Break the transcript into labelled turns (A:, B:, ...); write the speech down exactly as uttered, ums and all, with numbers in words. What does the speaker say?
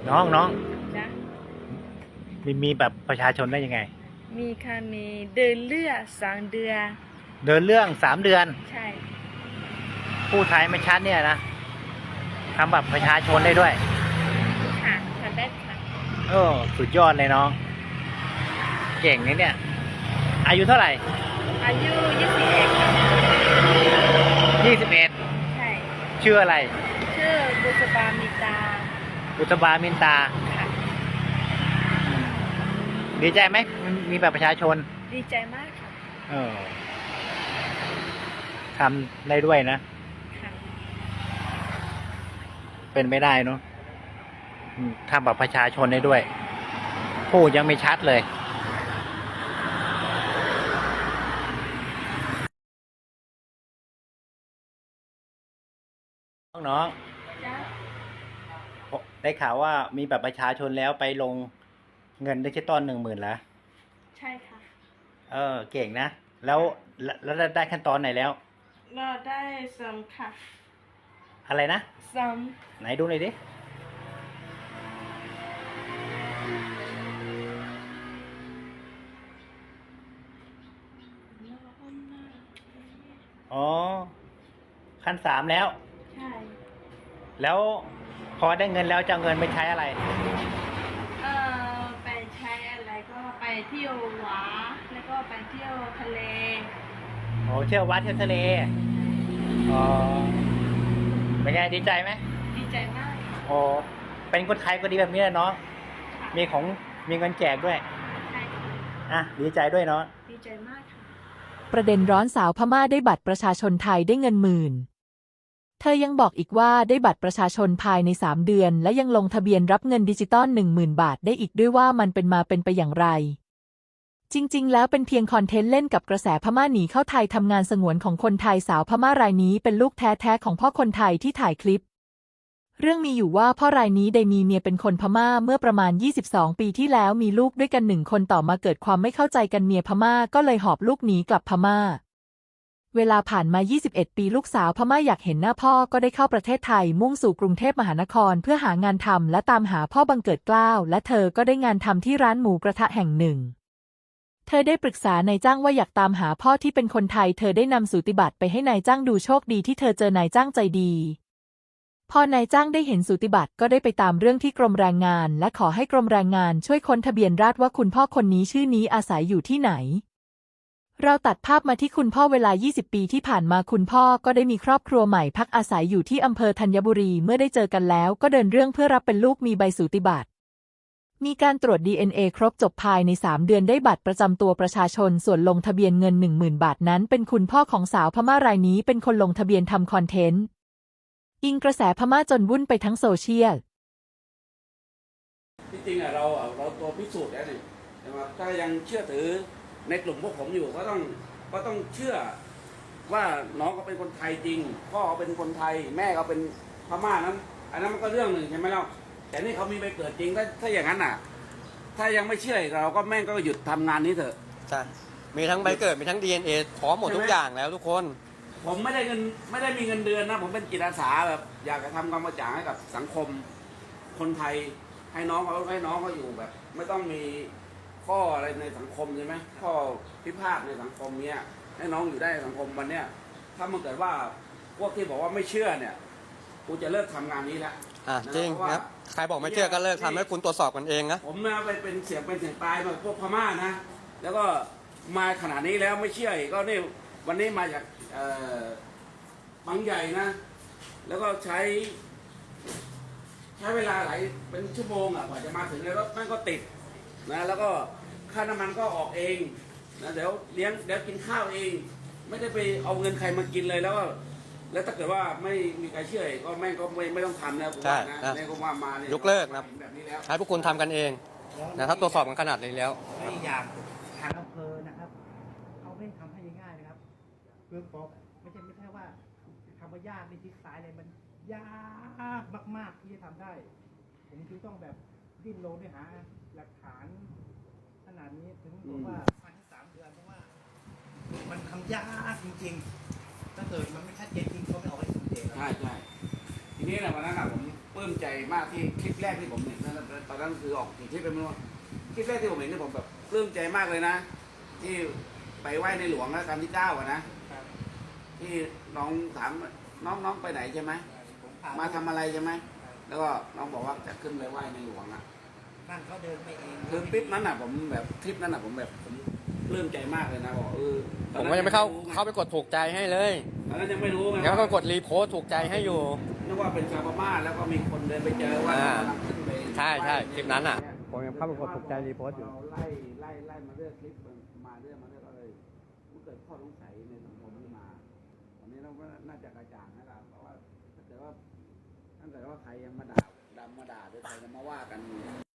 A: น้องน้อง
B: จ๊ะ
A: มีมีแบบประชาชนได้ยังไง
B: มีค่ะมีเดินเลือดสองเดือน
A: เดินเรื่องสามเดือน
B: ใช่
A: ผู้ไทยไม่ชัดเนี่ยนะทำแบบประชาชนได้ด้วย
B: ค่ะทำได้ค่ะ
A: โอ้สุดยอดเลยน้องเก่งนี่เนี่ยอายุเท่าไหร่
B: อายุยี่สิบเอ็ด
A: ยี่สิบเอ็ด
B: ใช่
A: ชื่ออะไร
B: ชื่อบุษบามิตา
A: บุษบามินตาดีใจไหมมีแบบประชาชน
B: ดีใจมากค่ะ
A: เออทำได้ด้วยนะเป็นไม่ได้เนาะทำแบบประชาชนได้ด้วยพูดยังไม่ชัดเลยน้องๆได้ข่าวว่ามีแบบประชาชนแล้วไปลงเงินดิจิตอลหนึ่งหมื่นแล้ว
B: ใช่ค่ะ
A: เออเก่งนะแล้วแล้วได้ขั้นตอนไหนแล้ว
B: เราได้ซัมค่ะ
A: อะไรนะ
B: ซัม
A: ไหนดูหน่อยดิอ๋อขั้นสามแล้ว
B: ใช่
A: แล้วพอได้เงินแล้วจะเอาเงินไปใช้อะไร
B: เออไปใช้อะไรก็ไปเที่ยวหวาแล้วก็ไปเที่ยวทะเล
A: โอ้เที่ยววัดเที่ยวทะเลอ๋อเป็นไงดีใจไหม
B: ดีใจมาก
A: โอ้เป็นคนไทยก็ดีแบบนี้แหละเนาะมีของมีเงินแจกด้วย
B: ใช่
A: อ่ะดีใจด้วยเนาะ
B: ดีใจมากค่ะ
C: ประเด็นร้อนสาวพม่าได้บัตรประชาชนไทยได้เงินหมื่นเธอยังบอกอีกว่าได้บัตรประชาชนภายในสามเดือนและยังลงทะเบียนรับเงินดิจิตอลหนึ่งหมื่นบาทได้อีกด้วยว่ามันเป็นมาเป็นไปอย่างไรจริงๆแล้วเป็นเพียงคอนเทนต์เล่นกับกระแสพม่าหนีเข้าไทยทำงานสงวนของคนไทยสาวพม่ารายนี้เป็นลูกแท้ๆของพ่อคนไทยที่ถ่ายคลิปเรื่องมีอยู่ว่าพ่อรายนี้ได้มีเมียเป็นคนพม่าเมื่อประมาณยี่สิบสองปีที่แล้วมีลูกด้วยกันหนึ่งคนต่อมาเกิดความไม่เข้าใจกันเมียพม่าก็เลยหอบลูกหนีกลับพม่าเวลาผ่านมายี่สิบเอ็ดปีลูกสาวพม่าอยากเห็นหน้าพ่อก็ได้เข้าประเทศไทยมุ่งสู่กรุงเทพมหานครเพื่อหางานทำและตามหาพ่อบังเกิดเกล้าและเธอก็ได้งานทำที่ร้านหมูกระทะแห่งหนึ่งเธอได้ปรึกษานายจ้างว่าอยากตามหาพ่อที่เป็นคนไทยเธอได้นำสูติบัตรไปให้นายจ้างดูโชคดีที่เธอเจอนายจ้างใจดีพอนายจ้างได้เห็นสูติบัตรก็ได้ไปตามเรื่องที่กรมแรงงานและขอให้กรมแรงงานช่วยค้นทะเบียนราษฎร์ว่าคุณพ่อคนนี้ชื่อนี้อาศัยอยู่ที่ไหนเราตัดภาพมาที่คุณพ่อเวลายี่สิบปีที่ผ่านมาคุณพ่อก็ได้มีครอบครัวใหม่พักอาศัยอยู่ที่อำเภอธัญบุรีเมื่อได้เจอกันแล้วก็เดินเรื่องเพื่อรับเป็นลูกมีใบสูติบัตรมีการตรวจ ดี เอ็น เอ ครบจบภายในสามเดือนได้บัตรประจำตัวประชาชนส่วนลงทะเบียนเงิน หนึ่งหมื่น บาทนั้นเป็นคุณพ่อของสาวพม่ารายนี้เป็นคนลงทะเบียนทำคอนเทนต์อิงกระแสพม่าจนวุ่นไปทั้งโซเชียล
D: ที่จริงอะเราเราตัวพิสูจน์แล้วนี่ใช่ไหมถ้ายังเชื่อถือในกลุ่มพวกผมอยู่ก็ต้องก็ต้องเชื่อว่าน้องก็เป็นคนไทยจริงพ่อเขาเป็นคนไทยแม่เขาเป็นพม่านั้นอันนั้นมันก็เรื่องหนึ่งใช่ไหมล่ะแต่นี่เขามีใบเกิดจริงถ้าถ้าอย่างนั้นอ่ะถ้ายังไม่เชื่อเราก็แม่งก็หยุดทำงานนี้เถอะ
E: ใช่มีทั้งใบเกิดมีทั้ง ดี เอ็น เอ พร้อมหมดทุกอย่างแล้วทุกคน
D: ผมไม่ได้เงินไม่ได้มีเงินเดือนนะผมเป็นจิตอาสาแบบอยากจะทำความกระจ่างให้กับสังคมคนไทยให้น้องเขาให้น้องเขาอยู่แบบ ไม่ต้องมีข้ออะไรในสังคมใช่ไหมข้อพิพาทในสังคมเนี้ยให้น้องอยู่ได้ในสังคมวันเนี้ยถ้ามันเกิดว่าพวกที่บอกว่าไม่เชื่อเนี่ยกูจะเลิกทำงานนี้แล้ว
E: อ่ะจริงครับใครบอกไม่เชื่อก็เลิกทำให้คุณตรวจสอบกันเองนะ
D: ผมนะไปเป็นเสียงเป็นเสียงตายมาพวกพม่านะแล้วก็มาขนาดนี้แล้วไม่เชื่ออีกก็นี่วันนี้มาจากบางใหญ่นะแล้วก็ใช้ใช้เวลาหลายเป็นชั่วโมงอ่ะกว่าจะมาถึงในรถมันก็ติดนะแล้วก็ค่าน้ำมันก็ออกเองนะเดี๋ยวเลี้ยงเดี๋ยวกินข้าวเองไม่ได้ไปเอาเงินใครมากินเลยแล้วก็แล้วถ้าเกิดว่าไม่มีใครเชื่อก็แม่งก็ไม่ไม่ต้องทำนะผมว่านะแม่ก็ว่ามาเนี่ย
E: ยกเลิกนะให้พวกคุณทำกันเองนะครับตรวจสอบกันขนาดนี้แล้ว
A: ไม่อยากทางอำเภอนะครับเขาไม่ทำให้ง่ายๆนะครับเพื่อบอกไม่ใช่ไม่ใช่ว่าทำว่ายากในทิศสายเลยมันยากมากๆที่จะทำได้ผมจึงต้องแบบดิ้นรนด้วยหาหลักฐานขนาดนี้ถึงบอกว่าภายในสามเดือนเพราะว่ามันทำยากจริงๆถ้าเกิดมันไม่ชัดเจนจริงเขาไม่เอาไว้สุดเด็ด
D: ใช่ใช่ทีนี้แหละวันนั้นผมปลื้มใจมากที่คลิปแรกที่ผมเห็นนะตอนนั้นคือออกกี่คลิปไปไม่รู้คลิปแรกที่ผมเห็นนี่ผมแบบปลื้มใจมากเลยนะ ที่ไปไหว้ในหลวงรัชกาลที่เก้าอะนะที่น้องถามน้องน้องไปไหนใช่ไหม
A: ผมพ
D: มาทำอะไรใช่ไหมแล้วก็น้องบอกว่าจะขึ้นไปไหว้ในหลวงอะ
A: นั่งเขาเดินไปเอง
D: คือคลิปนั้นอ่ะผมแบบคลิปนั้นอ่ะผมแบบผมปลื้มใจมากเลยนะบอกเออต
E: ผ
D: อน
E: ม
D: นั้น
E: ก็ยังไม่เข้า
D: รู้ง
E: เข้าไปกดถูกใจให้เลย
D: ตอนนั้นยังไม่รู้ไง
E: แล้วก็
D: ว่าก
E: ดรีโพสต์ถูกใจให้อยู่
D: นึกว่าเป็นชาวพม่าแล้วก็มีคนเดินไปเจอว่า
E: อ่า
D: กำลังขึ้นไป
E: ใช่ใช่คลิปนั้นอะ
D: เย
E: ผมยังเข้าไปกดถูกใจรีโพสต์อยู่
D: เราไล่ไล่ไล่มาเรื่อยคลิปมาเรื่อยมาเรื่อยก็เลยมันเกิดข้อสงสัยในสังคมขึ้นมาวันนี้เราก็น่าจะกระจ่างให้เราเพราะว่าถ้าเกิดว่าถ้าเกิดว่าใครยังมาด่าดำมาด่าหรือใครจะมาว่ากัน